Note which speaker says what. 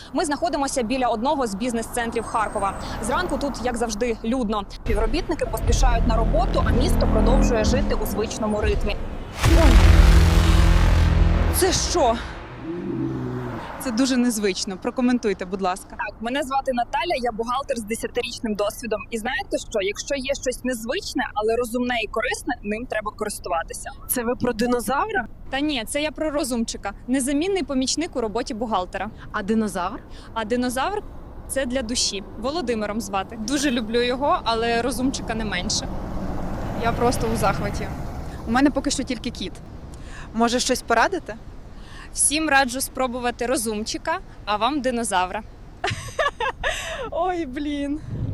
Speaker 1: Ми знаходимося біля одного з бізнес-центрів Харкова. Зранку тут, як завжди, людно. Співробітники поспішають на роботу, а місто продовжує жити у звичному ритмі. Ой. Це що?
Speaker 2: Це дуже незвично. Прокоментуйте, будь ласка.
Speaker 1: Так, мене звати Наталя, я бухгалтер з 10-річним досвідом. І знаєте що? Якщо є щось незвичне, але розумне і корисне, ним треба користуватися.
Speaker 3: Це ви про динозавра?
Speaker 1: Та ні, це я про розумчика. Незамінний помічник у роботі бухгалтера.
Speaker 3: А динозавр?
Speaker 1: А динозавр – це для душі. Володимиром звати. Дуже люблю його, але розумчика не менше.
Speaker 2: Я просто у захваті. У мене поки що тільки кіт. Може, щось порадите?
Speaker 1: Всім раджу спробувати розумчика, а вам динозавра.
Speaker 2: Ой, блін.